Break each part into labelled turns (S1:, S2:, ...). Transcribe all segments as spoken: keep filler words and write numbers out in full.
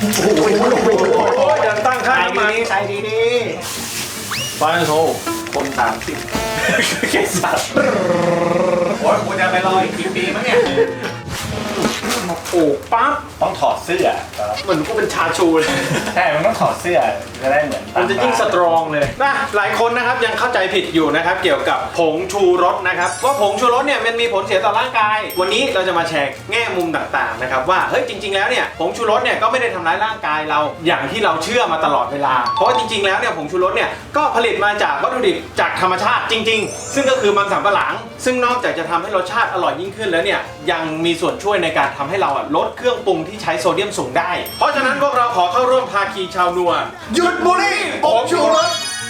S1: โอ้โหเดินตั้งค่าน้ำมัน
S2: ใช้ดีดีฟานโซคนตามสิเกสัตว์โอ้ยกูจะไปรออีกกี่ปีมั้งเนี่ย
S1: มาปลูกปั๊บ
S2: ต้องถอดเสื้อ
S1: เหมือนกูเป็นชาชูเลย
S2: ใช่มันต้องถอดเสื้อจะได้เหมือน
S1: มันจะยิ่งสตรองเลยนะหลายคนนะครับยังเข้าใจผิดอยู่นะครับเกี่ยวกับผงชูรสนะครับว่าผงชูรสเนี่ยมันมีผลเสียต่อร่างกายวันนี้เราจะมาแชร์แง่มุมต่างๆนะครับว่าเฮ้ยจริงๆแล้วเนี่ยผงชูรสเนี่ยก็ไม่ได้ทำร้ายร่างกายเราอย่างที่เราเชื่อมาตลอดเวลาเพราะว่าจริงๆแล้วเนี่ยผงชูรสเนี่ยก็ผลิตมาจากวัตถุดิบจากธรรมชาติจริงๆซึ่งก็คือมันสำปะหลังซึ่งนอกจากจะทำให้รสชาติอร่อยยิ่งขึ้นแล้วเนี่ยยังมีส่วนช่วยในการทำให้เราลดเครื่องปรุงที่ใช้โซเดียมสูงได้เพราะฉะนั้นพวกเราขอเข้าร่วมภาคีชาวนัวหยุดบุหรี่ผงชูรส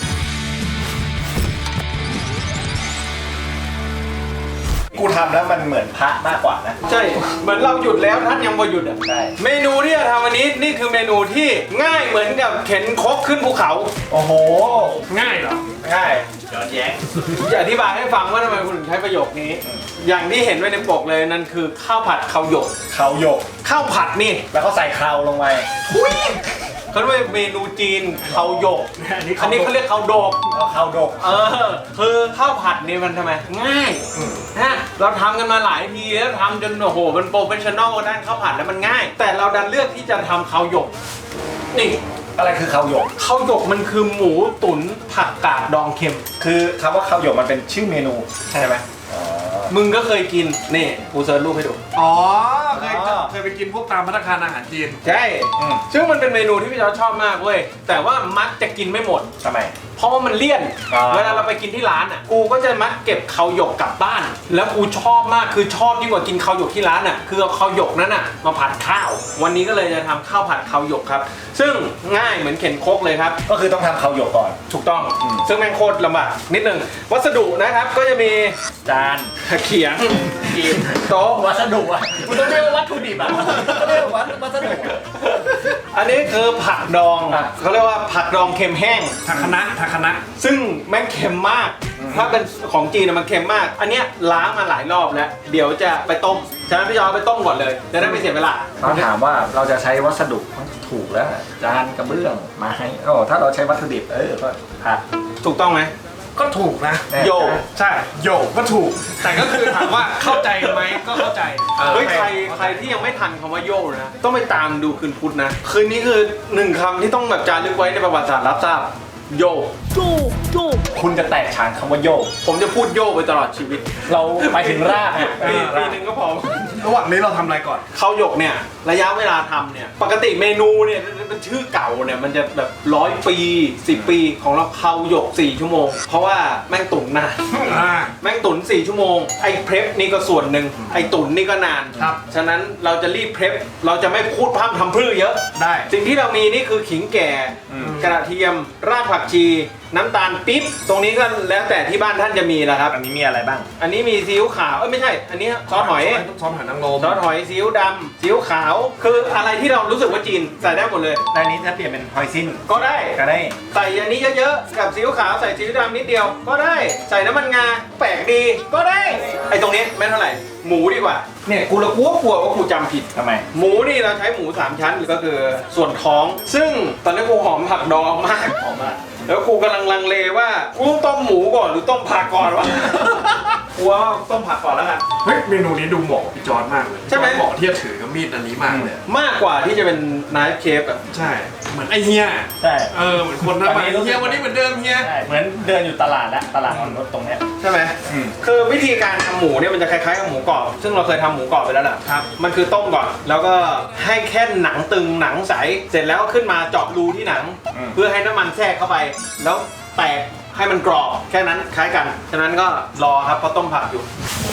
S2: กูทำแล้วมันเหมือนพระมากกว่านะ
S1: ใช่เหมือนเราหยุดแล้วท่านยังบ่หยุดอ่ะ
S2: ใช่
S1: เมนูที่จะทำวันนี้นี่คือเมนูที่ง่ายเหมือนกับเข็นครกขึ้นภูเขา
S2: โอ้โห
S1: ง่ายเหรอ
S2: ง่ายย้อนแย้ง
S1: จะอธิบายให้ฟังว่าทำไมคุณถึงใช้ประโยคนี้อย่างที่เห็นไว้ในปกเลยนั่นคือข้าวผัดข้าวหยก
S2: ข้าวหยก
S1: ข้าวผัดนี่
S2: แล้วก็ใส่เคราลงไป
S1: เขาเรียกเมนูจีนข้าวหยกอันนี้เขาเรียกข้าวดก
S2: ข้าวดก
S1: เออคือข้าวผัดนี่มันทำไมง่ายฮะเราทำกันมาหลายทีแล้วทำจนโอ้โหมันโปรเฟชชั่นอลด้านข้าวผัดแล้วมันง่ายแต่เราดันเลือกที่จะทำข้าวหยกนี่
S2: อะไรคือข้าวหยก
S1: ข้าวหยกมันคือหมูตุ๋นผักกาดดองเค็ม
S2: คือคำว่าข้าวหยกมันเป็นชื่อเมนูใช่ไหม
S1: มึงก็เคยกินนี่กูเซิร์ชรูปให้ดู
S3: อ๋อเคยเคยไปกินพวกตามภัตตาคารอาหารจีน
S1: ใช่ซึ่งมันเป็นเมนูที่พี่จอร์จชอบมากเว้ยแต่ว่ามักจะกินไม่หมด
S2: ทำไม
S1: เพราะว่ามันเลี่ยนเวลาเราไปกินที่ร้านอ่ะกูก็จะมักเก็บข้าวหยกกลับบ้านแล้วกูชอบมากคือชอบยิ่งกว่ากินข้าวหยกที่ร้านอ่ะคือเอาข้าวหยกนั้นอ่ะมาผัดข้าววันนี้ก็เลยจะทำข้าวผัดข้าวหยกครับซึ่งง่ายเหมือนเข็นครกเลยครับ
S2: ก็คือต้องทำข้าวหยกก่อน
S1: ถูกต้องซึ่งแม่งโคตรลำบากนิดนึงวัสดุนะครับก็จะมี
S2: จาน
S1: เขียงกีบโต๊ะ
S2: วัสดุอ่ะคุณต้องเรียกว่าวัตถุดิบอ่ะต้องเรียกว่าวัสดุ
S1: อันนี้คือผักดองเขาเรียกว่าผักดองเค็มแห้ง
S3: ผักคะน้าผักคะน้า
S1: ซึ่งแม่งเค็มมากถ้าเป็นของจีนมันเค็มมากอันเนี้ยล้างมาหลายรอบแล้วเดี๋ยวจะไปต้มฉะนั้นพี่จอไปต้มก่อนเลยจะได้ไม่เสียเวลา
S2: เขาถามว่าเราจะใช้วัสดุถูกแล้วจานกระเบื้องไม้โอ้ถ้าเราใช้วัตถุดิบเออก็ผัก
S1: ถูกต้องไหม
S3: ก็ถูกนะ
S1: โย
S3: ใช่โยก็ถูกแต่ก็คือถามว่าเข้าใจไหมก็เข้าใจ
S1: เฮ้ยใครใครที่ยังไม่ทันคำว่าโยนะต้องไปตามดูคืนพุธนะคืนนี้คือหนึ่งคำที่ต้องแบบจารึกไว้ในประวัติศาสตร์รับทราบโย
S2: โยโยคุณจะแตกฉานคำว่าโย
S1: ผมจะพูดโยไปตลอดชีวิต
S2: เราไปถึงราก
S1: ปีปีหนึ่งก็พอ
S3: ระหว่างนี้เราทำอะไรก่อน
S1: ข้าวหยกเนี่ยระยะเวลาทำเนี่ยปกติเมนูเนี่ยเป็นชื่อเก่าเนี่ยมันจะแบบร้อยปีสิบปีของเราข้าวหยกสี่ชั่วโมงเพราะว่าแม่งตุ๋นนานแม่งตุ๋นสี่ชั่วโมงไอ้เพรพนี่ก็ส่วนหนึ่งไอ้ตุ๋นนี่ก็นาน
S3: ครับ
S1: ฉะนั้นเราจะรีบเพรพเราจะไม่พูดพร่ำทำพรื่อเยอะ
S3: ได้
S1: สิ่งที่เรามีนี่คือขิงแก่กระเทียมรากผักชีน้ำตาลปิ๊บตรงนี้ก็แล้วแต่ที่บ้านท่านจะมีแล้วครับ
S2: อันนี้มีอะไรบ้าง
S1: อันนี้มีซีอิ๊วขาวเอ้ยไม่ใช่อันนี้ซอสหอย
S3: ซอสหอยนางรม
S1: ซอสหอยซีอิ๊วดำซีอิ๊วขาวคืออะไรที่เรารู้สึกว่าจีนใส่ได้หมดเลย
S2: ในนี้ถ้าเปลี่ยนเป็นหอยซิ่น
S1: ก็ได้
S2: ก็ได้
S1: ใส่อันนี้เยอะๆกับซีอิ๊วขาวใส่ซีอิ๊วดำนิดเดียวก็ได้ใส่น้ำมันงาแปลกดีก็ได้ไอ้ตรงนี้ไม่เท่าไหร่หมูดีกว่าเนี่ยกูละกลัวกลัวว่ากูจำผิด
S2: ทำไม
S1: หมูนี่เราใช้หมูสามชั้นก็คือส่วนท้องซึ่งตอนนี้กูหอมผักดองมาก
S2: หอมมาก
S1: แล้วกูกำลังลังเลว่ากูต้องต้มหมูก่อนหรือต้มผักก่อนวะกูว่าต้มผักก่อนแล้วกัน
S3: เฮ้ยเมนูนี้ดูเหมาะพี่จอร์จมากเลย
S1: ใช่ไหม
S3: เหมาะที่จะถือกับมีดอันนี้มากเลย
S1: มากกว่าที่จะเป็นไนฟ์เคฟอ่ะ
S3: ใช่เหมือนไอเฮีย
S2: ใช่
S3: เออเหมือนคนนั้นไปเฮียวันนี้เหมือนเดิมเฮีย
S2: เหมือนเดินอยู่ตลาดแล้วตลาดรถตรงเนี้ย
S1: ใช่ไหมคือวิธีการทำหมูเนี่ยมันจะคล้ายๆกับหมูกรอบซึ่งเราเคยทำหมูกรอบไปแล้วแหละ
S3: ครับ
S1: มันคือต้มก่อนแล้วก็ให้แค่หนังตึงหนังใสเสร็จแล้วก็ขึ้นมาเจาะรูที่หนังเพื่อให้น้ำมันแทรกเข้าไปแล้วแตกให้มันกรอบแค่นั้นคล้ายกันฉะนั้นก็รอครับเพราะต้มผักอยู่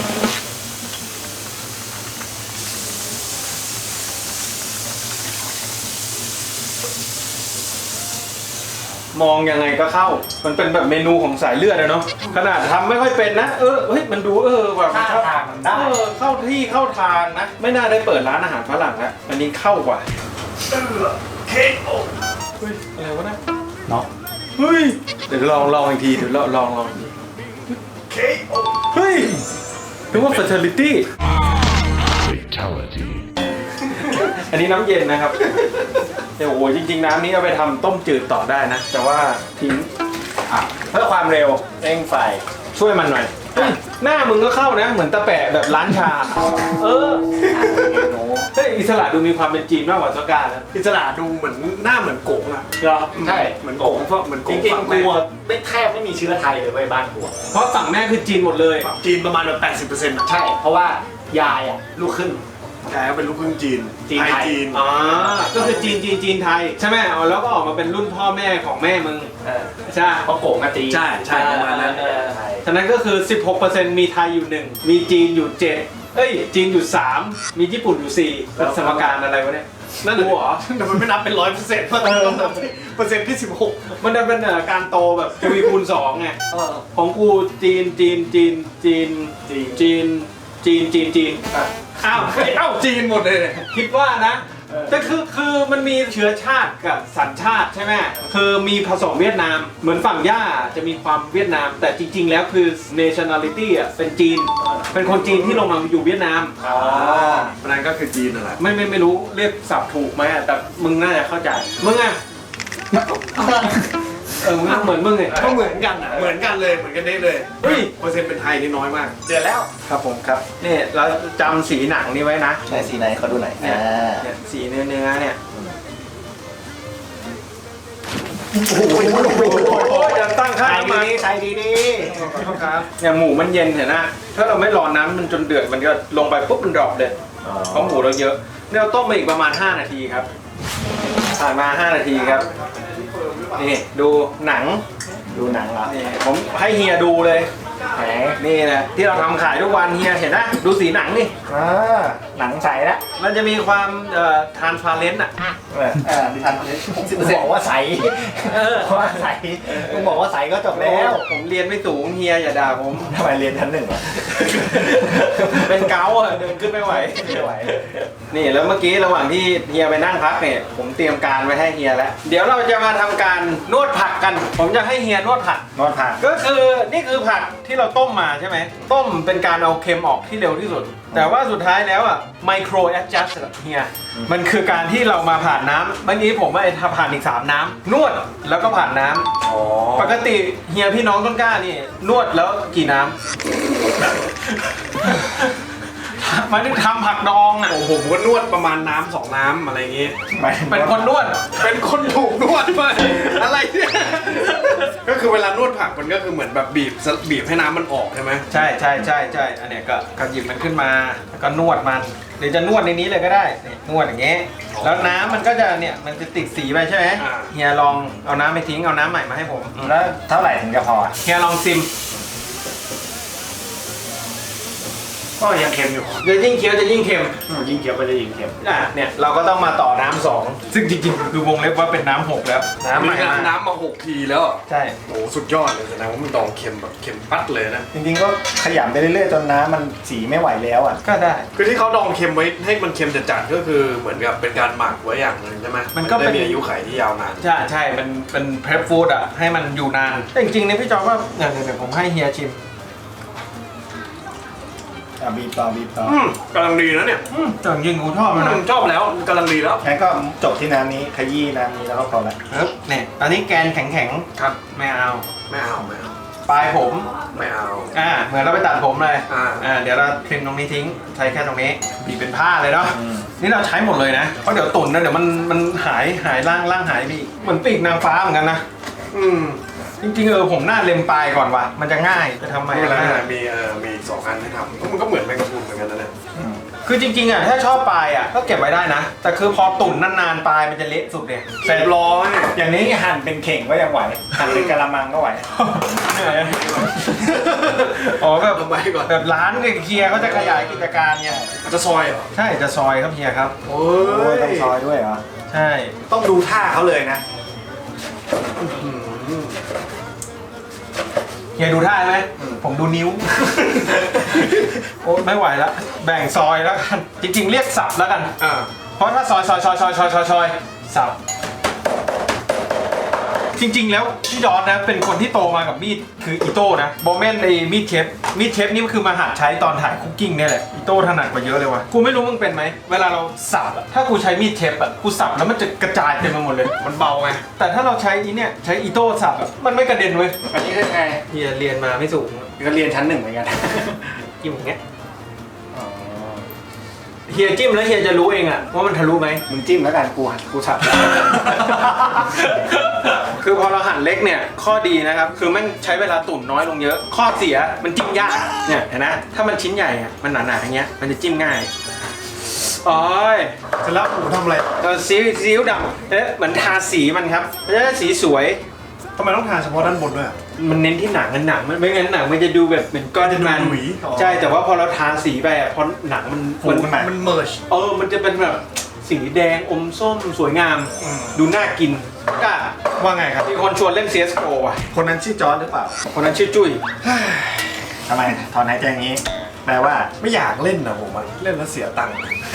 S1: มองยังไงก็เข้ามันเป็นแบบเมนูของสายเลือดนะเนาะขนาดทำไม่ค่อยเป็นนะเออเฮ้ยมันดูเออแบบ
S2: เข้าทางมันได้
S1: เออเข้าที่เข้าทางนะไม่น่าได้เปิดร้านอาหารฝรั่งแล้วอันนี้เข้ากว่า
S3: เออเค้กโอ้
S1: เฮ้ยอะไรวะนะ
S2: เนาะ
S1: เฮ้ยเดี๋ยวลองลองอีกทีเดี๋ยวลองลองลอง
S3: เค้กโอ้
S1: เฮ้ยนึกว่า fertility อันนี้น้ำเย็นนะครับเดี๋ยวโอ้โหจริงๆน้ำนี้เอาไปทำต้มจืดต่อได้นะ แต่ว่าทิ้ง
S2: อ่ะเพื่อความเร็วเร่งไฟ
S1: ช่วยมันหน่อยเฮ้ยหน้ามึงก็เข้านะ เหมือนตะแปะแบบร้านชา เออเฮ้ยอิสระดูมีความเป็นจีนมากกว่าซอก้านะ
S3: อิสระดูเหมือนหน้าเหมือนโกงอ่ะ
S1: เหรอ
S2: ใช่
S3: เหมือนโกงเพราะเหมือนโก
S2: จ
S3: ง
S2: ริง
S3: ฝั่
S2: ๆ
S3: แม่
S2: กูอะไม่แทบไม่มีเชื้อไทยเลยเว้ยบ้านกูอะ
S1: เพราะฝั่งแม่คือจีนหมดเลย
S3: จีนประมาณแบบแปดสิบเปอร์เซ็นต์อ่ะ
S2: ใช่ เพราะว่ายายอ่ะลูกครึ่ง
S3: แท้เป็นลูกครึ่งจีน
S2: จีน
S3: ไทย
S2: ไทย
S3: จีน
S1: อ๋อ ก็คือจีนจีนจีนไทยใช่ไหมเอาแล้วก็ออกมาเป็นรุ่นพ่อแม่ของแม่มึง
S2: เออ
S1: ใช่
S2: เพราะโกงอะจีน
S3: ใช่ใช่ประมาณนั้น
S2: เออใช่
S1: ฉะนั้นก็คือ สิบหกเปอร์เซ็นต์ มีไทยอยู่หนึ่งมีจีนอยู่เจ็ดเอ้ย จีนอยู่สามมีญี่ปุ่นอยู่สี่แล้วสมการอะไรวะเนี่ย
S3: นั่น
S1: กูเหรอ
S3: แต่มันไม่นับเป็นร้อยเปอร์เซ็นต์เพราะต้องนับเปอร์เซ็นต์ที่สิบหก
S1: มันจะเป็นเอ่อการโตแบบทวีคูณสองไง
S2: เออ
S1: ของกูจีนจีนจีนจีน
S2: จีน
S1: จีนจีนจีนจีน
S2: อ่ะ
S1: อ้าวเฮ้ยเอ้า
S3: จีนหมดเลยเนี่ย
S1: คิดว่านะ
S2: เออ
S1: แต่คือคือมันมีเชื้อชาติกับสัญชาติใช่ไหมคือมีผสมเวียดนาม เหมือนฝั่งย่าจะมีความเวียดนาม แต่จริง ๆ แล้วคือ nationality อ่ะเป็นจีน เป็นคนจีนที่ลงมาอยู่เวียดนาม
S2: อ๋อ
S3: เพราะนั้นก็คือจีนนั่นแหละ
S1: ไม่ไม่ไม่รู้เรียกศัพท์ถูกไหมอะแต่มึงน่าจะเข้าใจ มึงอ่ะ เออมึงเหมือนมึงไง
S3: ก็เหมือนกันอ่ะเหมือนกันเลยเหมือนกันได้เลย
S1: เฮ้ย
S3: เปอร์เซ็นต์เป็นไทยนี่น้อยมาก
S2: เดือดแล้ว
S1: ครับผมครับนี่เราจำสีหนังนี้ไว้นะ
S2: ใช้สีไหนเขาดูหน่อย
S1: เนี่ย
S2: อ่า
S1: เนี่ยสีเนื้อเนื้อเนี่ย
S2: โอ้ย
S1: โอ้ยจะตั้งค่า
S2: ใช้
S1: น้ำมัน
S2: ดีๆใช้ดี
S1: ครับเนี่ยหมูมันเย็นเห็นนะถ้าเราไม่รอน้ำมันจนเดือดมันก็ลงไปปุ๊บมันดรอปเลย
S2: ๆ
S1: เพราะหมูเราเยอะเนี่ยเราต้มไปอีกประมาณห้านาทีครับผ่านมาห้านาทีครับนี่ดูหนัง
S2: ดูหนังเหรอ
S1: นี่ผมให้เฮียดูเลย
S2: ไหน
S1: นี่นะที่เราทำขายทุกวันเฮียเห็นนะดูสีหนังนี่
S2: อ่าหนังใสแล้ว
S1: มันจะมีความเอ่อทานฟาเรนต์อ่ะ
S2: เออเออดิฉันหกสิบเปอร์เซ็นต์บอกว่าใส
S1: เออ
S2: เพราะว่าใสมึงบอกว่าใสก็จบแล้ว
S1: ผมเรียนไม่สูงเฮียอย่าด่าผม
S2: ทำไมเรียนชั้นหนึ่งอ่ะ
S1: เป็นเกาต์อะเดินขึ้นไม่ไหว
S2: ไม่ไหว
S1: นี่แล้วเมื่อกี้ระหว่างที่เฮียไปนั่งพักเนี่ยผมเตรียมการไว้ให้เฮียแล้ว เดี๋ยวเราจะมาทำการนวดผักกัน ผมจะให้เฮียนวดผัก
S2: นอนผ่าน
S1: ก็คือนี่คือผักที่เราต้มมาใช่ไหมต้มเป็นการเอาเค็มออกที่เร็วที่สุด แต่ว่าสุดท้ายแล้วอ่ะไมโครแอดจัสเฮียมันคือการที่เรามาผ่านน้ำเมื่อกี้ผมว่าไอ้ผ่านอีกสามน้ำนวดแล้วก็ผ่านน้ำ
S2: อ๋อ
S1: ปกติเฮียพี่น้องต้นกล้านี่นวดแล้วกี่น้ำ หมายถึงทำผักดองอ่ะ
S3: โอ้โหผมก็นวดประมาณน้ำสองน้ำอะไรอย่างงี้
S1: เป็นคนนวด
S3: เป็นคนถูกนวดไปอะไรเนี่ยก็คือเวลานวดผักมันก็คือเหมือนแบบบีบบีบให้น้ำมันออกใช่ไหม
S1: ใช่ใช่ใช่ใช่อันเนี้ยก็ก็หยิบมันขึ้นมาแล้วก็นวดมันหรือจะนวดในนี้เลยก็ได้นี่นวดอย่างเงี้ยแล้วน้ำมันก็จะเนี่ยมันจะติดสีไปใช่ไหมเฮียลองเอาน้ำไปทิ้งเอาน้ำใหม่มาให้ผม
S2: แล้วเท่าไหร่ถึงจะพออ่ะ
S1: เฮียลองซิม
S2: ก็ยังเค็มอยู่
S1: จะยิ่งเคี้ยวจะยิ่งเค็ม
S2: อืมยิ่งเคี้ยวก็จะยิ่งเค็ม
S1: อ่ะเนี่ยเราก็ต้องมาต่อน้ำสองซึ่งจริงๆคือวงเล็บว่าเป็นน้ำหกแล้วน้ำให
S3: มี
S1: ม่มา
S3: น้ำมาหกทีแล้วอ่ะ
S1: ใช่
S3: โอ้โหสุดยอดเลยแสดงว่ามันดองเค็มแบบเค็มปัดเลยนะ
S2: จริงๆก็ขยำไปเรื่อยๆจนน้ำมันสีไม่ไหวแล้วอ่ะ
S1: ก็ได้
S3: คือที่เขาดองเค็มไว้ให้มันเค็มจัดๆก็คือเหมือนกับเป็นการหมักไว้อย่างหนึ่งใช่ไหม
S1: มันก็เป็น
S3: ได้มีอายุขัยที่ยาวนาน
S1: ใช่ใช่มันเป็นเพร p ฟู้ดอ่ะให้มันอยู่นานแต่จริงๆเนี่ยพี่จอว่าเดี๋ยวเดี๋ยวผมให้เฮียชิม
S2: อ่ะบีบต่อบีบต่อ
S3: อืมกำลังดีนะเนี่ย
S1: อืมแต่จริงๆกูชอบมัน
S3: อื
S1: นะ
S3: มชอบแล้วกำลังดีแล้ว
S2: งั้นก็จบที่น้ำนี้ขยี้น้ำนี้แล้วก็พอละ
S1: ครับเนี่ยตอนนี้แกนแข็ง
S3: ครับ
S1: ๆไม่เอา
S3: ไม่เอาไม่เอา
S1: ปลายผม
S3: ไม่เอา
S1: อ่าเหมือนเราไปตัดผมเลย
S3: อ่า
S1: อ่าเดี๋ยวเราคลิมตรงนี้ทิ้งใช้แค่ตรงนี้บีบเป็นผ้าเลยเนาะ
S2: อืม
S1: นี่เราใช้หมดเลยนะเพราะเดี๋ยวตุ่นนะเดี๋ยวมันมันหายหายล่างล่างหายไปอีกเหมือนปีกนางฟ้าเหมือนกันนะ
S3: อืม
S1: จริงๆเออผมหน้าเล็มปลายก่อนว่ะมันจะง่ายจะทำไม
S3: ไม่เป็นไร
S1: ล่ะ
S3: มีเออมีสองอันให้ทำมันก็เหมือนแมงกะพรุนเหมือนกันนะเนี่ย
S2: อืม
S1: คือจริงๆอ่ะถ้าชอบปลายอ่ะก็เก็บไว้ได้นะ แต่คือพอตุ่นนานๆปลายมันจะเละสุดเลย
S3: เสร็จร้อย
S2: อย่างนี้หั่นเป็นเข่งก็ยังไหว หั่นเป็นกะละมังก็ไหว
S1: เหนื่อยอ๋อแบบ
S3: ทำไมก่อน
S1: แบบร้านเนี่ยเคลียร์เขาจะขยายกิจการเนี่ย
S3: จะซอยเหรอ
S1: ใช่จะซอยครับเฮียครับ
S3: โอ้
S2: โอ้ย
S3: ย
S2: ต้องซอยด้วยเหรอ
S1: ใช่
S3: ต้องดูท่าเขาเลยนะ
S1: เฮียดูท่าไหมผมดูนิ้ว โอ้ไม่ไหวแล้วแบ่งซอยแล้วกันจริงๆเรียกสับแล้วกัน
S3: อ่า
S1: เพราะถ้าซอยซอยซอยซอยซอยซอยซอยสับจริงๆแล้วพี่จอร์จนะเป็นคนที่โตมากับมีดคืออีโต้นะโบแมนในมีดเชฟมีดเชฟนี่มันคือมาหัดใช้ตอนถ่ายคุกกิ้งเนี่ยแหละอีโต้ถนัดกว่าเยอะเลยว่ะกูไม่รู้มึงเป็นไหมเวลาเราสับอะถ้ากูใช้มีดเชฟอะกูสับแล้วมันจะกระจายเต็มไปหมดเลย
S3: มันเบาไง
S1: แต่ถ้าเราใช้อีเนี่ยใช้อีโต้สับอะมันไม่กระเด็นเว้ย
S2: อันนี้คือไง
S1: เฮียเรียนมาไม่สูง
S2: ก็เรียนชั้นหนึ่งเหมือนกัน
S1: จิ้มอย่างเงี้ยเฮียจิ้มแล้วเฮียจะรู้เองอะว่ามันทะลุไหม
S2: มึงจิ้มแล้วกันกูหันกูสับ
S1: คือพอเราหั่นเล็กเนี่ยข้อดีนะครับคือมันใช้เวลาตุ๋นน้อยลงเยอะ ข้อเสียมันจิ้มยากเนี่ยเห็นนะถ้ามันชิ้นใหญ่อะมันหนาๆอย่างเงี้ยมันจะจิ้มง่ายโอ้ย
S3: เสร็จแล้วหมูทำอะไร
S1: เราซีซีอิ๊วดำเอ๊ะเหมือนทาสีมันครับมันจะได้สีสวย
S3: ทำไมต้องทาเฉพาะด้านบนด้วยอะ
S1: มันเน้นที่หนังกันหนังมันไม่งั้นหนังมันจะดูแบบเป็นก้อนมัน
S3: หลุยอ๋อ
S1: ใช่แต่ว่าพอเราทาสีไปอะพอหนังมัน
S3: ฟูขึ้นมามันเมิร์ช
S1: เออมันจะเป็นแบบสีแดงอมส้มสวยงาม
S3: อืม
S1: ดูน่ากินก็
S3: ว่าไงครับ
S1: มีคนชวนเล่น ซี เอส โอ อ่ะ
S3: คนนั้นชื่อจอร์จหรือเปล่า
S1: คนนั้นชื่อจุ้ย
S4: ทำไมถอนหายใจอย่างนี้ แปลว่า
S3: ไม่อยากเล่นนะผมอะเล่นแล้วเสียตังค์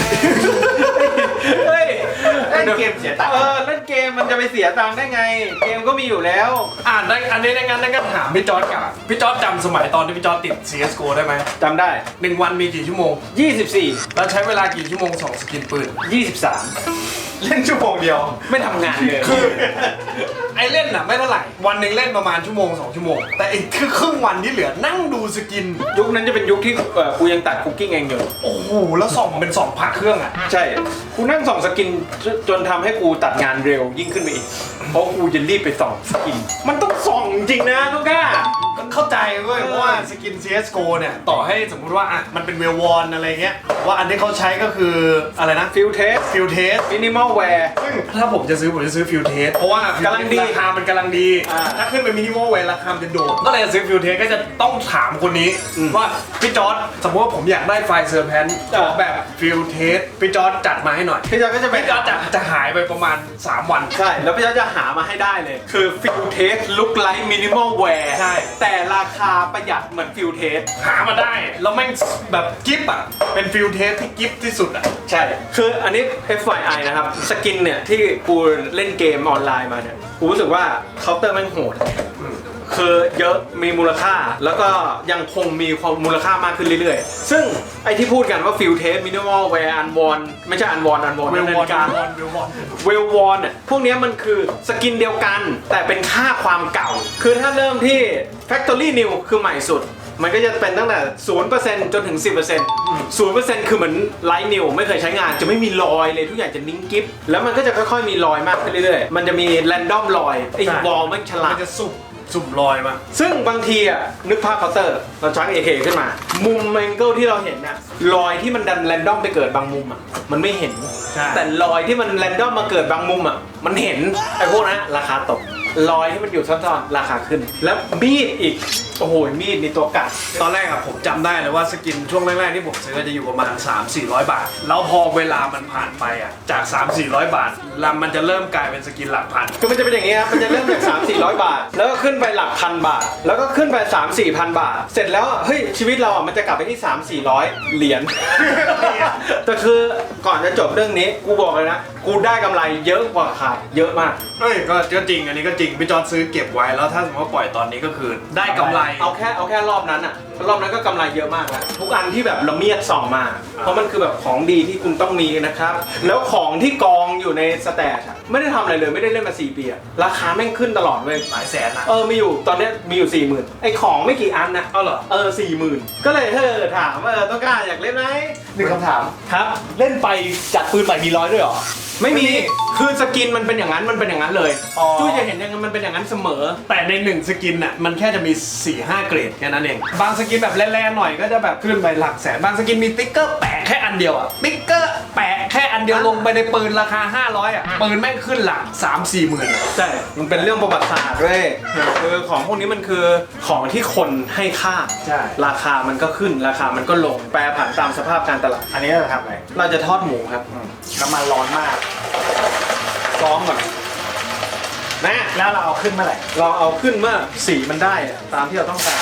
S1: เฮ้ย
S4: เล่นเกมเสียตังค์
S1: เออเล่นเกมมันจะไปเสียตังค์ได้ไง เกมก็มีอยู่แล้ว
S3: อ่านได้อันนี้ในงานนั่นก็ถามพี่จอร์จกับพี่จอร์จจำสมัยตอนที่พี่จอร์จติด ซี เอส จี โอ ได้ไหม
S1: จำได้
S3: หนึ่งวันมีกี่ชั่วโมง
S1: ยี่สิบสี่
S3: แล้วใช้เวลากี่ชั่วโมงสองสกินปืน
S1: ยี่สิบสาม
S3: เล่นชั่วโมงเดียว
S1: ไม่ทำงานเลย
S3: คือ ไอเล่นน่ะไม่เท่าไหร่ วันหนึ่งเล่นประมาณชั่วโมงสองชั่วโมง แต่อีกคือครึ่งวันที่เหลือนั่งดูสกิน
S1: ยุคนั้นจะเป็นยุคที่เอ่อกูยังตัดคุกกิ้งเองอยู่
S3: โอ้โห แล้วส่องเป็นสองผักเครื่องอ่ะ
S1: ใช่ กูนั่งส่องสกินจจนทำให้กูตัดงานเร็วยิ่งขึ้นไปอีก เพราะกูจะรีบไปส่องสกิน มันต้องส่องจริงนะทุกก้า
S3: ก็เข้าใจเว้ยเพราะว่าสกิน ซี เอส จี โอ เนี่ยต่อให้สมมุติว่าอ่ะมันเป็นเวลวอนอะไรเงี้ยว่าอันที่เขาใช้ก็คืออะไรนะ
S1: ฟิลเทส
S3: ฟิลเทส
S1: มินิมอลแวร์
S3: ซึ่งถ้าผมจะซื้อผมจะซื้อฟิลเทสเพราะว่า
S1: กำลังดี
S3: ราคามันกำลังดี
S1: อ่า
S3: ถ้าขึ้นไปมินิมอลเวราคามันจะโดดก็เลยจะซื้อฟิลเทสก็จะต้องถามคนนี้
S1: อืม
S3: ว่าพี่จอร์จสมมติว่าผมอยากได้ไฟล์เซอร์แพนขอแบบฟิลเทสพี่จอร์จจัดมาให้หน่อย
S1: พี่จอร์จก็จะไป
S3: พี่จอร์จจะจะหายไปประมาณสามวัน
S1: ใช่ แล้วพี่จอร์จจะหามาให้ได้เลย คือฟิลเทสลุคไลท์มินิมอลแวร์
S3: ใช่
S1: แต่ราคาประหยัดเหมือนฟิลเทส
S3: หามาได้ แล้วแม่งแบบกิฟต์อ่ะเป็นฟิลเทสที่กิฟต์ที่สุดอ่ะ
S1: ใช่ คืออันนี้ เอฟ วาย ไอ นะครับ สกินเนี่ย ที่กูเล่นเกมออนไลน์มาเนี่ย กูรู้สึกว่าเคาน์เตอร์แม่งโหด คือเยอะมีมูลค่า แล้วก็ยังคงมีความมูลค่ามากขึ้นเรื่อยๆ ซึ่งไอที่พูดกันว่าฟิลเทสมินิมอลแวร์อันวอนไม่ใช่อันวอนอันวอน
S3: เวลวอน
S1: การ
S3: เวลวอนเวลวอน
S1: เวลวอนอ่ะพวกเนี้ยมันคือสกินเดียวกัน แต่เป็นค่าความเก่า คือถ้าเริ่มที่ Factory New คือใหม่สุด มันก็จะเป็นตั้งแต่ ศูนย์เปอร์เซ็นต์ จนถึง สิบเปอร์เซ็นต์ ศูนย์เปอร์เซ็นต์ คือเหมือนไลท์นิวไม่เคยใช้งานจะไม่มีรอยเลยทุกอย่างจะนิ่งกิฟแล้วมันก็จะค่อยๆมีรอยมากขึ้นเรื่อยๆ มันจะมีแรนดอมรอยไอ้
S3: ใช่
S1: วอลมันฉลา
S3: มั
S1: ด
S3: นจะสุ่มสุ่มลอยมา
S1: ซึ่งบางทีอ่ะนึกภาพเคาน์เตอร์เราชัก เอ เค ขึ้นมา มุมแองเกิลที่เราเห็นน่ะรอยที่มันดันแรนดอมไปเกิดบางมุมอ่ะมันไม่เห็น
S3: ใช่
S1: แต่รอยที่มันแรนดอมมาเกิดบางมุมอ่ะมันเห็นไอ้พวกนั้นราคาตกรอยที่มันอยู่ซ่อนๆราคาขึ้น แล้วมีดอีกโอ้โหมีดนี่ตัวกัด
S3: ตอนแรกอะผมจำได้เลยว่าสกินช่วงแรกๆที่ผมซื้อจะอยู่ประมาณ สามสี่ร้อย บาท แล้วพอเวลามันผ่านไปอะจาก สามสี่ร้อย บาทลำมันจะเริ่มกลายเป็นสกินหลักพัน
S1: คือมันจะเป็นอย่างนี้ครับมันจะเริ่มจาก สามสี่ร้อย บาท แล้วก็ขึ้นไปหลักพันบาท แล้วก็ขึ้นไป สามสี่พัน บาท เสร็จแล้วเฮ้ยชีวิตเราอ่ะมันจะกลับไปที่ สามสี่ร้อย เหรียญ แต่คือก่อนจะจบเรื่องนี้กูบอกเลยนะกูได้กำไรเยอะกว่าขาดเยอะมาก
S3: เฮ้ยก็ก็จริงอันนี้ก็จริงพี่จอร์จซื้อเก็บไว้แล้วถ้าสมมติว่าปล่อยตอนนี้ก็คือได้กำไร
S1: เอาแค่เอาแค่รอบนั้นอะรอบนั้นก็กำไรเยอะมากแล้วทุกอันที่แบบละเมียดส่องมา เพราะมันคือแบบของดีที่คุณต้องมีนะครับ แล้วของที่กองอยู่ในสแตทอะไม่ได้ทำอะไรเลยไม่ได้เล่นมาสี่ปีอะราคาแม่งขึ้นตลอดเว้ย
S3: หลายแสนนะ
S1: เออมีอยู่ตอนเนี้ยมีอยู่สี่หมื่นไอของไม่กี่อันนะ
S3: เอาเหรอ
S1: เออสี่หมื่นก็เลยเออถามว่าเออต้องกล้าอยากเล่นไหม
S4: หนึ่งคำถาม
S1: ครับ
S4: เล่นไปจัดปืนใหม่มีร้อยด้วยเหรอ
S1: ไม่มีคือสกินมันเป็นอย่างนั้นมันเป็นอย่างนั้นเลย
S4: อ๋อ
S1: จุ้ยจะเห็นอย่างนั้นมันเป็นอย่างนั้นเสมอ
S3: แต่ในหนึ่งสกินน่ะมันแค่จะมี สี่ห้า เกรดแค่นั้นเอง บางสกินแบบแร่ๆหน่อยก็จะแบบขึ้นไปหลักแสน บางสกินมีติ๊กเกอร์แปะแค่อันเดียวอะติ๊กเกอร์แปะแค่อันเดียวลงไปในปืนราคา ห้าร้อย อะปืนแม่งขึ้นหลัก สามสี่ หมื่นอะ
S1: ใช่ มันเป็นเรื่องประวัติศาสตร์เว้ยคือของพวกนี้มันคือของที่คนให้ค่า
S3: ใช่
S1: ราคามันก็ขึ้น ราคามันก็ลง แปรผันตามสภาพการตลาด
S4: อันนี้เราทำอะไร
S1: เราจะทอดหมูครับ
S4: อืมน้ำมันร้อนมาก
S1: ซ้อมก่อนนะ
S4: แล้วเราเอาขึ้นเมื่อไหร่
S1: เราเอาขึ้นเมื่อสีมันได้อะตามที่เราต้องการ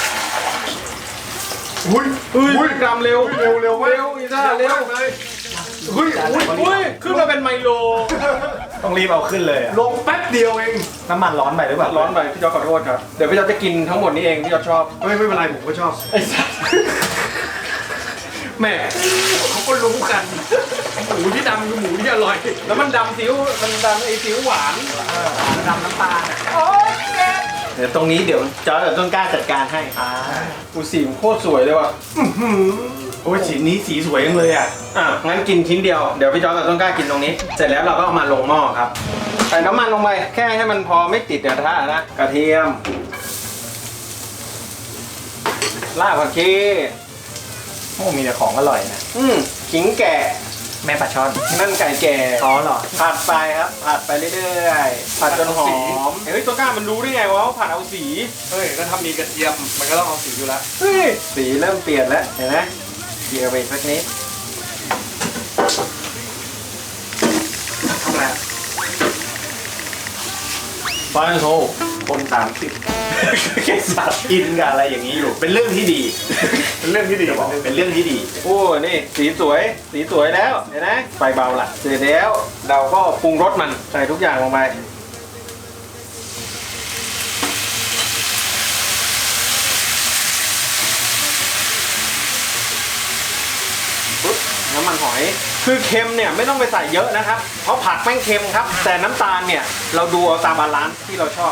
S3: อุ้ย
S1: เฮ้ยกรัมเร็ว
S3: เร็วเร็ว
S1: เร็วอีซ่าเร็ว
S3: เลย
S1: เฮ้ยอุ้ยอุ้ยขึ้นมาเป็นไมโล
S4: ต้องรีบเอาขึ้นเลยอะ
S3: ลงแป๊บเดียวเอง
S4: น้ำมันร้อนไปหรือเปล่า
S1: ร้อนไปพี่จอร์จขอโทษครับเดี๋ยวพี่จอร์จจะกินทั้งหมดนี้เองพี่จอร์จชอบ
S3: ไม่ไม่เป็นไรผมก็ชอบ
S1: ไอ้สัส
S3: แม่เขาก็รู้กันหมูที่ดำคือหมูที่อร่อย
S1: แล้วมันดำซิ้วมันดำไอ้ซิ้วหวาน
S4: ดำน้ำตาลอะ
S1: เดี๋ยวตรงนี้เดี๋ยวจอร์จกับต้นกล้าจัดการให้
S4: อ่า
S1: อูสีมนโคตรสวยเลยว่ะ
S4: โอ้ยสีนี้สีสวยจังเลยอ่ะ
S1: อ่ะงั้นกินชิ้นเดียวเดี๋ยวพี่จอร์จกับต้นกล้ากินตรงนี้ เสร็จแล้วเราก็เอามาลงหม้อครับใส่น้ำมันลงไปแค่ให้มันพอไม่ติดกระทะนะกระเทียมรากผักชี
S4: โอ้มีแต่ของอร่อยนะ
S1: อืมขิงแก่
S4: แม่ปลาช่อน
S1: นั่นไก่แก่
S4: อ๋อเหรอ
S1: ผัดไปครับผัดไปเรื่อยๆผัดจนหอมเฮ้ยต้นกล้ามันรู้ได้ไงวะว่าผัดเอาสี
S3: เฮ้ยก็ทำมีกระเทียมมันก็ต้องเอาสีอยู่แล้ว
S1: เฮ้ยสีเริ่มเปลี่ยนแล้วเห็นไหมเกี่ยวไปอีกสักนิด
S3: ทำอะไร
S4: ฟานโซคนสามสิบแค่สัตว์กินกับอะไรอย่างนี้อยู่ เป็นเรื่องที่ดี
S3: เป็นเรื่องที่ดี
S4: จะบอกเป็นเรื่องที่ดี
S1: โอ้นี่สีสวยสีสวยแล้วเห็นไหมไฟเบาละเสร็จแล้วเราก็ปรุงรสมันใส่ทุกอย่างลงไปปุ๊บน้ำมันหอยคือเค็มเนี่ยไม่ต้องไปใส่เยอะนะครับเพราะผักแม่งเค็มครับ แต่น้ำตาลเนี่ยเราดูเอาตามบาลานซ์ที่เราชอบ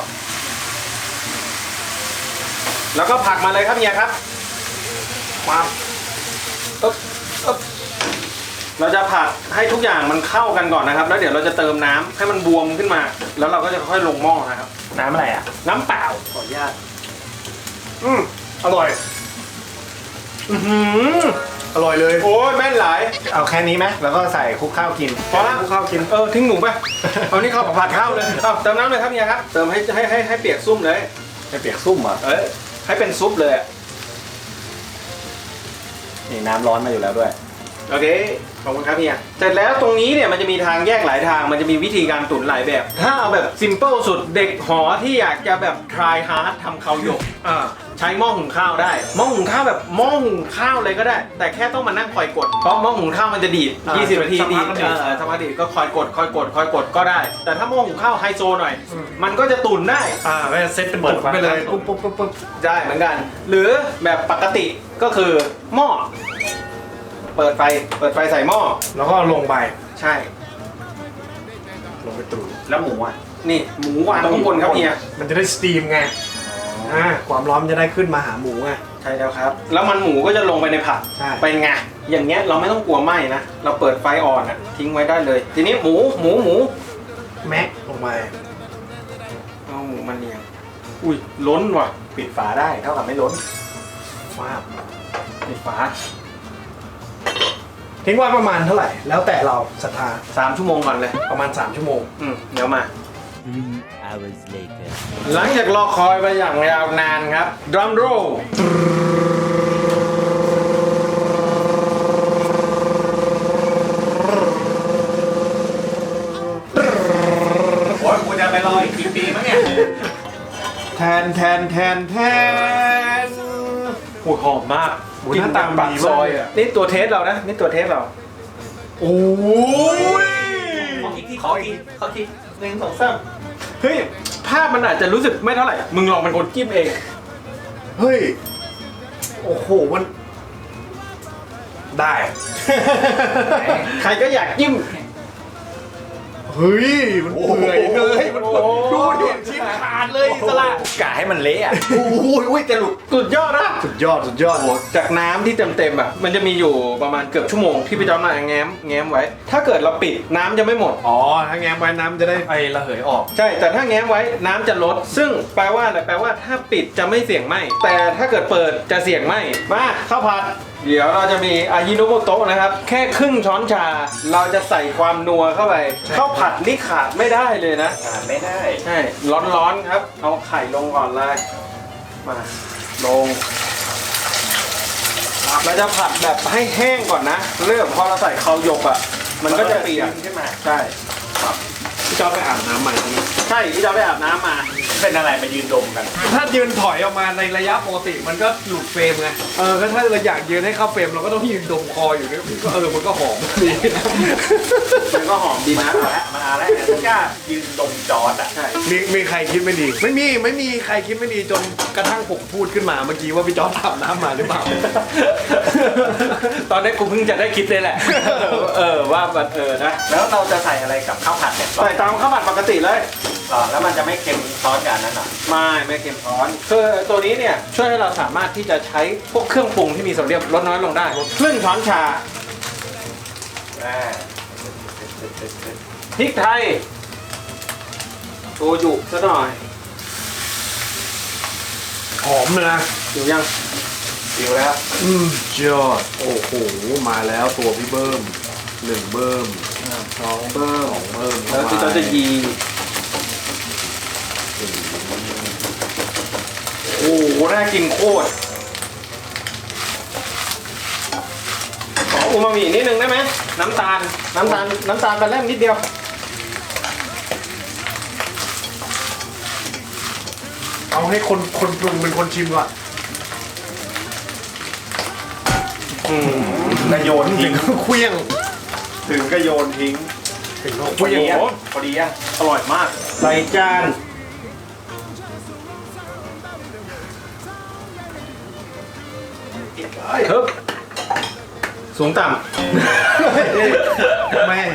S1: แล้วก็ผักมาเลยครับเฮียครับมาปึ๊บปึ๊บเราจะผัดให้ทุกอย่างมันเข้ากันก่อนนะครับ แล้วเดี๋ยวเราจะเติมน้ำให้มันบวมขึ้นมา แล้วเราก็จะค่อยลงหม้อนะครับ
S4: น้ำอะไรอ่ะ
S1: น้ำเปล่า
S4: ขออนุญาต
S3: อืมอร่อย
S1: อื้อหือ
S3: อร่อยเลย
S1: โอ้ยแม่นหลาย
S4: เอาแค่นี้ไหมแล้วก็ใส่คลุกข้าวกิน
S1: พอละข้าวกินเออทิ้งหนูไปเอานี่ข้าวผัดข้าวเลยเอาเติมน้ำเลยครับเฮียครับเติมให้ให้ให้ให้เปียกซุ่มเลย
S4: ไม่เปียกซุ่มเหรอ่ะ
S1: เออให้เป็นซุปเลยอะ
S4: นี่น้ำร้อนมาอยู่แล้วด้วย
S1: โอเค ขอบคุณครับเฮียเสร็จแล้วตรงนี้เนี่ยมันจะมีทางแยกหลายทาง มันจะมีวิธีการตุ๋นหลายแบบ ถ้าเอาแบบซิมเ l ิลสุดเด็กหอที่อยากจะแบบ try hard ทำข้าวหยก
S3: อ่า
S1: ใช้หม้อหุงข้าวได้ หม้อหุงข้าวแบบหม้อหุงข้าวเลยก็ได้ แต่แค่ต้องมานั่งคอยกด เพราะหม้อหุงข้าวมันจะดีด
S3: อ่า
S1: ยี่สิบ นาที
S3: สัก
S1: ดี
S3: พั
S1: ด
S3: กก็ดีด
S1: เออสักพักดีดก็คอยกด คอยกด คอยกด คอยกดก็ได้ แต่ถ้าหม้อหุงข้าวไฮโซหน่อย
S3: อืม
S1: มันก็จะตุ๋นได้
S3: อ่าก็จะเซตเป็นตุ๋นไปเลยปุ๊บปุ๊บปุ๊บปุ๊บ
S1: ได้เหมือนกัน หรือแบบปกติก็คือหม้อ เปิดไฟ เปิดไฟใส่หม้อ
S3: แล้วก็ลงไป
S1: ใช่
S3: ลงไปตุ๋น
S4: แล้วหมูอ่ะ
S1: นี่หมูวางข้างบนครับเฮีย
S3: มันจะได้สตีมไงอ่าความร้อนมันจะได้ขึ้นมาหาหมูไง
S1: ใช่แล้วครับ แล้วมันหมูก็จะลงไปในผัก
S3: ใช่
S1: เป็นไง อย่างเงี้ยเราไม่ต้องกลัวไหม้นะ เราเปิดไฟอ่อนอะทิ้งไว้ได้เลย ทีนี้หมูหมูหมู
S3: แม็กลงไป
S1: เอาหมูมันเนียงอุ้ยล้นว่ะ
S4: ปิดฝาได้เท่ากับไม่ล้น
S3: ว้าว
S1: ปิดฝา
S3: ทิ้งไว้ประมาณเท่าไหร่ แล้วแต่เราศรัทธา
S1: สามชั่วโมงก่อนเลย
S3: ประมาณ สาม ชั่วโมง
S1: อืมเดี๋ยวมา
S5: Three hours later.
S1: หลังจากรอคอยไปอย่างยาวนานครับดรัมโรล
S2: โอ้ยกูจะไปรออีกกี่ปีมั้งเนี่ย
S1: แทนแทนแทนแทนโอ้ยหอมมาก
S3: โอ้ยหน้าตา
S1: ปาก
S3: ดี
S1: ซ
S3: มาก
S1: อยอ่ะนี่ตัวเทสเรานะนี่ตัวเทสเรา
S3: โอ้ย
S2: ขออีกทีขออีกทีขออีกทีหนึ่งสองสาม
S1: เฮ้ยภาพมันอาจจะรู้สึกไม่เท่าไหร่อะมึงลองเป็นคนจิ้มเอง
S3: เฮ้ย โอ้โห มัน ได้
S1: ใครก็อยากจิ้ม
S3: เฮ้ย มันเปื่อยเลยมันเปื่อยดูดิชิ้นขาดเลยอิสระ
S4: กะให้มันเละอ่ะ
S1: โอ้โหอุ้ยจะหลุดสุดยอดนะ
S3: สุดยอด สุดยอด
S1: โอ้โหจากน้ำที่เต็มๆอ่ะมันจะมีอยู่ประมาณเกือบชั่วโมงที่พี่จอมมาแง้มแง้มไว้ ถ้าเกิดเราปิดน้ำจะไม่หมด
S3: อ๋อ ถ้าแง้มไว้น้ำจะได้ไอระเหยออก
S1: ใช่ แต่ถ้าแง้มไว้น้ำจะลด ซึ่งแปลว่าอะไรแปลว่าถ้าปิดจะไม่เสี่ยงไหมแต่ถ้าเกิดเปิดจะเสี่ยงไหมมาข้าวผัด เดี๋ยวเราจะมีอายิโนโมโตะนะครับ แค่ครึ่งช้อนชา เราจะใส่ความนัวเข้าไป
S3: ใช่
S1: ข้าวผัดนี่ขาดไม่ได้เลยนะ
S4: อ่านไม่ได้
S1: ใช่ ร้อนๆครับ เอาไข่ลงก่อนเลย มา ลง เราจะผัดแบบให้แห้งก่อนนะ เริ่มพอเราใส่ข้าวหยกอ่ะ มันก็จะเปียก
S4: ขึ้นมา
S1: ใช่
S3: พี่จอร์จไปอาบน้ำใหม่
S1: ใช่ที่เราไปอาบน้ำมา
S4: เป็นอะไรมายืนดมกัน
S3: ถ้ายืนถอยออกมาในระยะปกติมันก็หลุดเฟรมไง เออก็ถ้าเราอยากยืนให้เข้าเฟรมเราก็ต้องยืนดมคออยู่เนี่ยก็เออมันก็หอมดี
S1: มันก็หอมดีนะ
S4: มาแล้วมาแล้วแต่กล้ายืนดมจอร์ดอ่ะ
S1: ใช่
S3: มีมีใครคิดไม่ดี ไม่มีไม่มีใครคิดไม่ดีจนกระทั่งผมพูดขึ้นมาเมื่อกี้ว่าพี่จอร์จอาบน้ำมาหรือเปล่า
S1: ตอนนี้กูเพิ่งจะได้คิดเลยแหละ เออว่าแบบเออนะ
S4: แล้วเราจะใส่อะไรกับข้าวผัดเนี่ย
S1: ใส่ตามข้าวผัดปกติเลย
S4: อ๋อแล้วมันจะไม่เค็มซ้อนกันนั่นหรอ
S1: ไม่ไม่เค็มร้อนคือตัวนี้เนี่ยช่วยให้เราสามารถที่จะใช้พวกเครื่องปรุงที่มีโซเดียมลดน้อยลงได้ครึ่งช้อนชา
S4: อ่า
S1: พริกไทยโชยุซะหน่อย
S3: หอมเลยนะ
S1: อยู่ยัง
S4: ดิวแล้ว
S3: อืมยอดโอ้โหมาแล้วตัวพี่เบิ้มหนึ่งเบิ้ม
S1: สองเบิ้ม
S3: สองเบิ้ม
S1: แล้วพี่จอจะยีโอ้โหน่ากินโคตรขออูมามินิดนึงได้ไหมน้ำตาลน้ำตาลน้ำตาลไปแล่มนิดเดียว
S3: เอาให้คนคนปรุงเป็นคนชิมก่อน
S4: กระโยนทิ้ง
S3: เคลี้ยง
S4: ถึงกระโยนทิ้ง
S3: ถึงเราเค
S4: พอ
S3: ลี้ยง
S4: ดีอ่ะพอดีอ่ะ
S1: อร่อยมากใส่จานเฮ้ยสูงต่
S3: แม่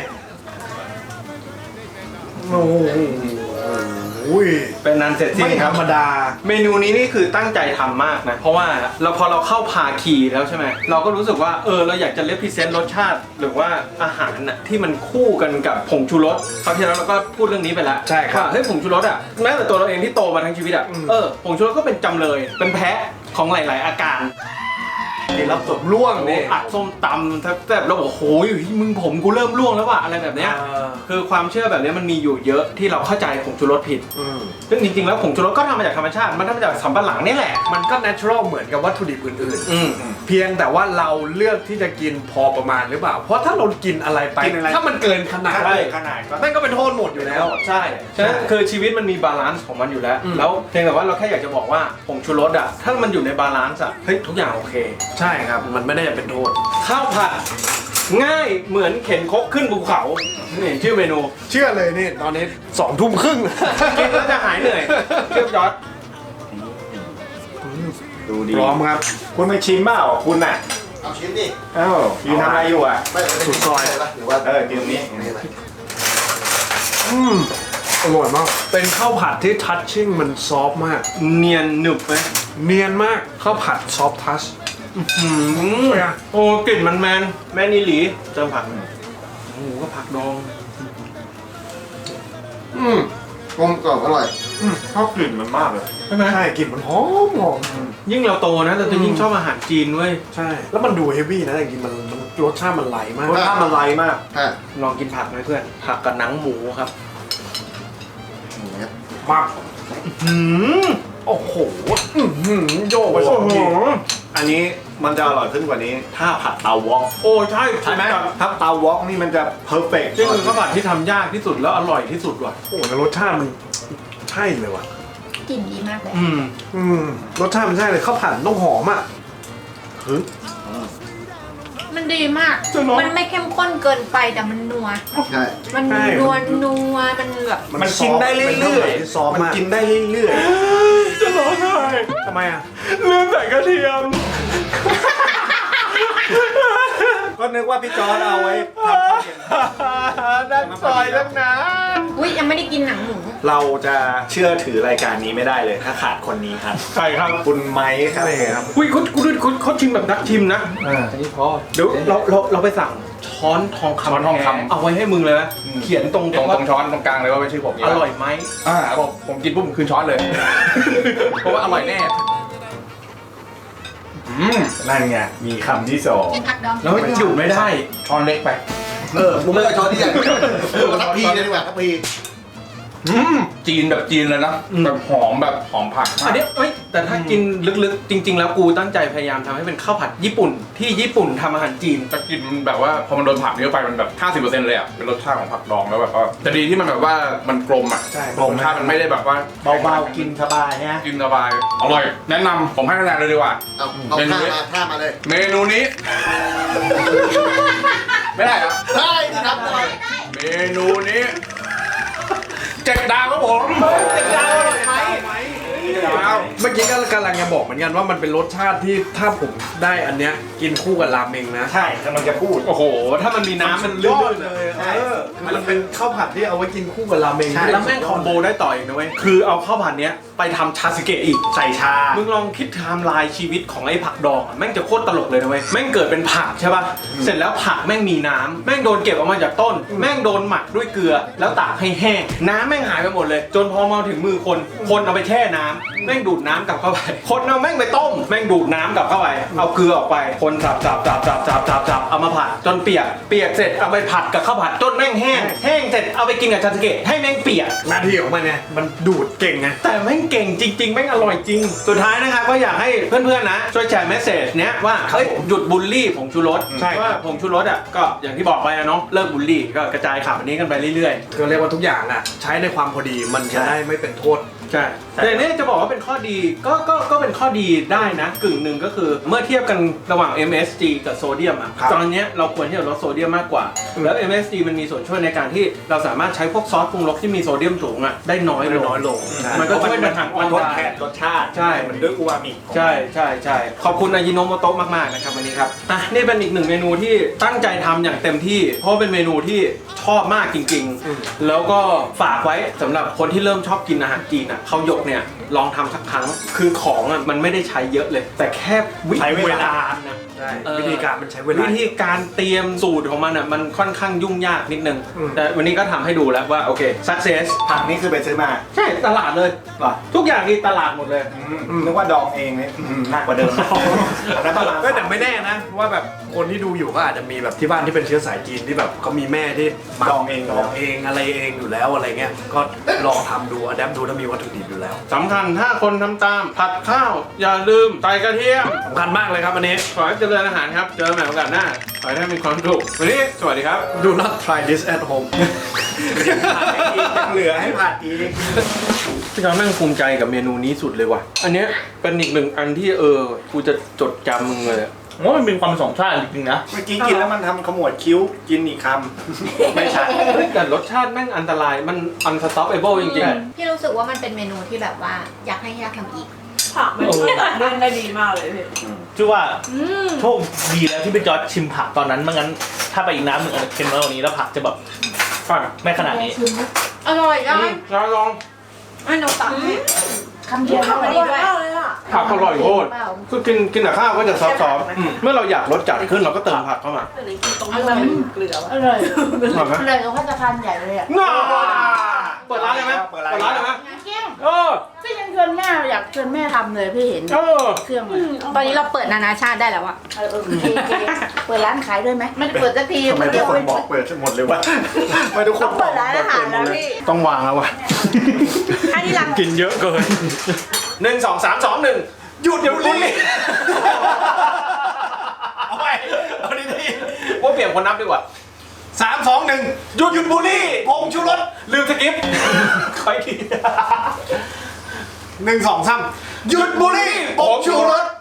S3: โอ้โห
S1: ำเป็นนันเสร็จสิ้น
S3: ไม่
S1: ค
S3: ธ
S1: รั
S3: ร
S1: บ
S3: รมดา
S1: เมนูนี้นี่คือตั้งใจทำมากนะ เพราะว่าเราพอเราเข้าพาคีแล้วใช่ไหมเราก็รู้สึกว่าเออเราอยากจะเลพิเซนต์รสชาติ หรือว่าอาหารน่ะที่มันคู่กันกับผงชูรสคราวที่แล้วเราก็พูดเรื่องนี้ไปแล้ว
S3: ใช่ครับ
S1: ว่าเฮ้ยผงชูรสอ่ะแม้แต่ตัวเราเองที่โตมาทั้งชีวิตอ่ะ
S3: อืม
S1: เออผงชูรสก็เป็นจำเลยเป็นแพะของหลาย ๆ อาการ
S3: รับจบล่วงนี่
S1: อัดส้มตำแทบแบบเราบอกโอ้ยมึงผมกูเริ่มร่วงแล้วว่ะอะไรแบบเนี้ย
S3: อ่า
S1: คือความเชื่อแบบเนี้ยมันมีอยู่เยอะที่เราเข้าใจผงชูรสผิด
S3: อืม
S1: ซึ่งจริง ๆ แล้วผงชูรสก็ทำมาจากธรรมชาติมันทำมาจากสำปะหลังนี่แหละ
S3: มันก็ natural เหมือนกับวัตถุดิบอื่น
S1: อืม
S3: ๆ เพียงแต่ว่าเราเลือกที่จะกินพอประมาณหรือเปล่า เพราะถ้าเรากินอะไรไป
S4: กินอะไร
S3: ถ้ามันเกินขนาด
S1: ใช่
S4: ขนาดก็
S3: นั่นก็เป็นโทษหมดอยู่แล้ว
S1: ใช่ฉะนั้นคือชีวิตมันมีบาลานซ์ของมันอยู่แล้ว
S3: อืม
S1: แล้วเพียงแต่ว่าเราแค่อยากจะบอกว่าผงชูรสอ่ะถ้ามันอยู่ในบาลานซ์อ่ะเฮ้ยทุกอย่างโอเค
S3: ใช่ครับ มันไม่ได้เป็นโทษ
S1: ข้าวผัดง่ายเหมือนเข็นครกขึ้นภูเขานี่ชื่อเมนู
S3: เชื่อเลยนี่ ตอนนี้สองทุ่มครึ่ง
S1: กินแล้วจะหายเหนื่อยเชื่อยอด
S4: ดูดี
S3: พร้อมครับ
S4: คุณไม่ชิมเปล่าคุณน่ะ
S6: เอาชิ้นดิ
S4: เอ้ายืนทำอะไรอยู่อ่ะ
S6: ไม่ไม่ได้
S3: สุดซอย
S6: ปะหรือว่า
S4: เออยืนนี้
S6: นี่ไหม
S3: อืมอร่อยมาก เป็นข้าวผัดที่ทัชชิ่งมันซอฟต์มาก
S1: เนียนหนึบไหม
S3: เนียนมากข้าวผัดซอฟต์ทัช
S1: หืมโอ้กลิ่นมันแมนแมนอีหลีเติมผักหน่อยโอ้โหก็ผักดอง
S6: อืมกลมกล่อมอร่อย
S4: ชอบกลิ่นมันมากเลย
S1: ใช่ไหม
S3: ใช่กลิ่นมันหอมหอม
S1: ยิ่งเราโตนะเราจะยิ่งชอบอาหารจีนเว้ย
S3: ใช่ แล้วมันดูเฮฟวี่นะแต่จริงๆมันมันรสชาติมันไหลมาก
S4: รสชาติมันไลมาก
S6: ฮะ
S1: ลองกินผักไหมเพื่อน ผักกับหนังหมูครับ
S6: อย่างเงี้ย
S3: มาก
S1: หืม
S3: โอ้โหอื้อหือโยกไปสองที
S4: อันนี้มันจะอร่อยขึ้นกว่านี้ ถ้าผัดเตาวอก
S1: โอ้ใช่
S4: ใช่ไหมถ้าเตาวอกนี่มันจะเพอร์เฟกต์
S1: นี่คือข้าวผัดที่ทำยากที่สุดแล้วอร่อยที่สุดว่ะ
S3: โอ้โหแล้วรสชาติมันใช่เลยว่ะ
S7: กลิ่นดีมากเลย
S1: อืม
S3: อืมรสชาติมันใช่เลยข้าวผัดต้องหอมอ่ะเฮ้ย
S7: มันดีมาก มันไม่เข้มข้นเกินไปแต่มันนัว
S6: ใช่
S7: มันนัวนัวมันแบบ
S4: มันกินได้เรื่อย
S3: ๆซอฟ
S4: ๆ มัน
S3: มาก
S4: กินได้เรื่อย
S1: จะร้องไห้
S3: ทำไมอ่ะ
S1: ลืมใส่กระเทียม
S4: ๆ ก็นึกว่าพี่จอร์ดเอาไว้ทำข้าวเย็น
S1: ดันซอยตั้งนะ
S7: อุ้ยยังไม่ได้กินหนังหมู
S4: เราจะเชื่อถือรายการนี้ไม่ได้เลยถ้าขาดคนนี้ครับ
S1: ใช่ครับ
S4: คุณไม้ครับ
S3: ใช่ครับ
S1: อุ้ยเขาเขาเขาเขาชิมแบบนักชิมนะอันนี้พอเดี๋ยวเราเราเราไปสั่งช้อนทองคำ
S2: ช้อนทองคำ
S1: แท้เอาไว้ให้มึงเลยนะเขียนตรง
S2: ตรง
S1: ว่า
S2: ตรงช้อนตรงกลางเลยว่าเป็นชื่อผม
S1: อร่อยไหม
S2: อ่าผมผมกินปุ๊บผมคืนช้อนเลย เพราะว่าอร่อยแน่อืม
S4: นั่นไง มีคำที่สอง
S7: กินผักดอง
S1: แล้วมันหยุดไม่ได้
S2: ช้อนเล็กไป
S6: เออมึงไม่เอาช้อนที่ใหญ่เออทัพพีเลยดีกว่าทัพพี
S2: จีนแบบจีนเลยนะแบบหอมแบบหอมผัก
S1: อันนี้เอ้ยแต่ถ้ากินลึกๆ จริง ๆ แล้วกูตั้งใจพยายามทำให้เป็นข้าวผัดญี่ปุ่นที่ญี่ปุ่นทำอาหารจีน
S2: จะกินมันแบบว่าพอมันโดนผักเยอะไปมันแบบ ห้าสิบเปอร์เซ็นต์ เลยอ่ะเป็นรสชาติของผักดองแล้วแบบว่าแต่ดีที่มันแบบว่ามันกลมอ่ะ
S3: ใช่
S2: รสชาติมันไม่ได้แบบว่า
S4: เบาๆกินสบายนะ
S2: กินสบายอร่อยแนะนำผมให้คะแนนเลยดีกว่า
S6: เอาเอาท่ามาท่ามาเลย
S2: เมนูนี้ ไม่ได้ครับ
S6: ได้ดิครับได้
S2: เมนูนี้เจ็ดดาวครับผมเจ็ดดาวอร่อยไหมดาว
S3: เมื่อกี้ก็กำลังจะบอกเหมือนกันว่ามันเป็นรสชาติที่ถ้าผมได้อันเนี้ยกินคู่กับราเมงนะ
S4: ใช่กำลังจะพูด
S1: โอ้โห ถ้ามันมีน้ำมันลื่นๆเลย
S3: เออมันเป็นข้าวผัดที่เอาไว้กินคู่กับราเมง
S4: ใช่
S1: แล้วแม่งคอมโบได้ต่ออีกนะเว้ย คือเอาข้าวผัดเนี้ยไปทำชาสึเกะอีก
S4: ใส่ชา
S1: มึงลองคิดไทม์ไลน์ชีวิตของไอ้ผักดองอะแม่งจะโคตรตลกเลยนะเว้ย แม่งเกิดเป็นผักใช่ป่ะ เสร็จแล้วผักแม่งมีน้ำแม่งโดนเก็บออกมาจากต้น แม่งโดนหมักด้วยเกลือ แล้วตากให้แห้ง น้ำแม่งหายไปหมดเลย จนพอมาถึงมือคน คนเอาไปแช่น้ำแม่งดูดน้ำกลับเข้าไป คนเอาแม่งไปต้ม แม่งดูดน้ำกลับเข้าไป เอาเกลือออกไป คนสับสับสับสับสับสับสับเอามาผัดจนเปียก เปียกเสร็จเอาไปผัดกับข้าวผัดจนแม่งแห้ง แห้งเสร็จเอาไปกินกับชาสึเกะให้แม่งเปียก
S3: หน้าที่ของมันไงมันดูดเก่งไง
S1: แต่แม่งเก่งจริง ๆ แม่งอร่อยจริง สุดท้ายนะครับก็อยากให้เพื่อนๆนะ ช่วยแชร์เมสเซจเนี้ยว่าเฮ้ยหยุดบูลลี่ผงชูรส
S4: ใช่ครับ
S1: ว่าผงชูรสอ่ะก็อย่างที่บอกไปอะเนาะเลิกบูลลี่ก็กระจายข่าวนี้กันไปเรื่อย
S3: ก็เรียกว่าทุกอย่างอ่ะใช้ในความพอดีมันจะได้ไม่เป็นโทษ
S1: ๆ ใช่แต่เนี่ยจะบอกว่าเป็นข้อดีก็ก็ก็เป็นข้อดีได้นะกึ่งหนึ่งก็คือเมื่อเทียบกันระหว่าง เอ็ม เอส จี กับโซเดียมอ่ะ
S3: ครับ
S1: ตอนเนี้ยเราควรที่จะลดโซเดียมมากกว่า แล้ว เอ็ม เอส จี มันมีส่วนช่วยในการที่เราสามารถใช้พวกซอสปรุงรสที่มีโซเดียมสูงอ่ะได้น้อยลง
S3: น้อยลง
S1: มันก็ช่วยบรรเทา
S4: มันทดแทนรสชาติ
S1: ใช่
S4: มันด้วยอูมามิ
S1: ใช่ใช่ใช่ขอบคุณอายิโนโมโตะมาก ๆ นะครับวันนี้ครับอ่ะนี่เป็นอีกหนึ่งเมนูที่ตั้งใจทำอย่างเต็มที่ เพราะเป็นเมนูที่ชอบมากจริง ๆ แล้วก็ฝากไว้สำหรับคนที่เริ่มชอบกินอาหารจีนอ่ะเขาหยกเนี่ยลองทำสักครั้ง คือของอ่ะมันไม่ได้ใช้เยอะเลย แต่แค่วิ
S4: ใช้เวลา
S1: นะ
S3: ใช่
S1: เออ
S3: วิธีการมันใช้เวลา
S1: วิธีการเตรียมสูตรของมันอ่ะมันค่อนข้างยุ่งยากนิดนึง
S3: อืม
S1: แต่วันนี้ก็ทำให้ดูแล้วว่าโอเค success
S4: ผักนี่คือไปซื้อมา
S1: ใช่ตลาดเลย
S4: เหรอ
S1: ทุกอย่างนี่ตลาดหมดเลย
S4: อืมนึกว่าดองเองเนี่ยอืมหนักกว่าเดิมอันนั้นประมาณ
S3: ก็แต่ไม่แน่นะว่าแบบคนที่ดูอยู่ก็อาจจะมีแบบที่บ้านที่เป็นเชื้อสายจีนที่แบบเขามีแม่ที่หมัก
S4: ดองเอง
S3: ดองเองอะไรเองอยู่แล้วอะไรเงี้ยก็ลองทำดูอะแดปดูถ้ามีวัตถุดิบอยู่แล้ว
S1: สำคัญถ้าคนทำตามผัดข้าวอย่าลืมใส่กระเทียม
S3: สำคัญมากเลยครับอันนี้
S1: ขอให้เจริญอาหารครับ เจอกันใหม่โอกาสหน้า ขอให้ท่านมีความสุขวันนี้สวัสดีครับ
S3: Do not try this at home
S4: ยังเหลือให้ผัดอีก
S1: พี่น้องแม่งภูมิใจกับเมนูนี้สุดเลยว่ะ อันเนี้ยเป็นอีกหนึ่งอันที่เออกูจะจดจำมึงเลยอะ
S2: ผมว่ามันเป็นความสองชาติจริงๆนะ
S4: เมื่อกี้กินแล้วมันทำขมวดคิ้วกินอีกคำไม่ใช่
S1: เฮ้ยแต่รสชาติแม่งอันตรายมัน unstoppable จริง
S7: พี่รู้สึกว่ามันเป็นเมนูที่แบบว่าอยากให้ยากทำอีก
S8: ผักมันช่วยตัดมันได้ดีมากเลยพี่
S9: ชื่อว่า
S8: อืม
S9: โชคดีแล้วที่ไปจอร์จชิมผักตอนนั้นไม่งั้นถ้าไปอีกน้ำหนึ่งอาจจะเค็มน้อยกว่านี้แล้วผักจะแบบ
S1: ๆอ่ะ
S9: ไม่ขนาดนี้
S7: อร่อยจัง
S1: ลองลอง
S7: ไอ้หนูตักให้
S8: คำเดียว
S7: ผัก
S8: อ
S7: มันดี
S8: ร่อย
S7: ด้วย
S8: มากเลยอ่ะ
S1: ผักอร่อยโคตรคือกินกินกับข้าวก็จะซอฟต์ๆอืมเมื่อเราอยากรสจัดขึ้นเราก็เติมผักเข้ามา
S8: แต่เลยกินตรงนี้มันเกลือวะ
S10: อร่อย
S1: อร่อยไหม
S10: อร่อยกว่าพัฒนาคารใหญ่เลยอ่ะ
S1: ง่าเปิดร้านเลยไหม
S4: เปิดร้าน
S1: เปิดร้านเลยไหม
S10: เกี้ยง
S1: เออ
S10: พี่ยังชวนแม่อยากชวนแม่ทำเลยพี่เห็น
S1: เออ
S10: เครื่องมัน
S7: ตอนนี้เราเปิดนานาชาติได้แล้วอะ
S10: เออเออโอเคโอเคเปิดร้านขายด้วยไหมไม่ได้เปิดสักที
S4: ทำไมทุกคนบอกเปิดหมดเลยวะทำไมทุกคนบ
S10: เปิ
S4: อก
S10: ดร้านอาหารแล้วพี่
S1: ต้องวางแล้วว่ะ
S7: อันนี้รัง
S1: กินเยอะเกินหนึ่งสองสามสองหนึ่งหยุดเดี๋ยวนี้เอาไปเอาดีๆว่าเปลี่ยนคนนับดีกว่าสามสองหนึ่งหยุดหยุดบุหรี่ผงชูรสลืมสกิปค่อยทีหนึ่งสองสามหยุดบุหรี่ผงชูรส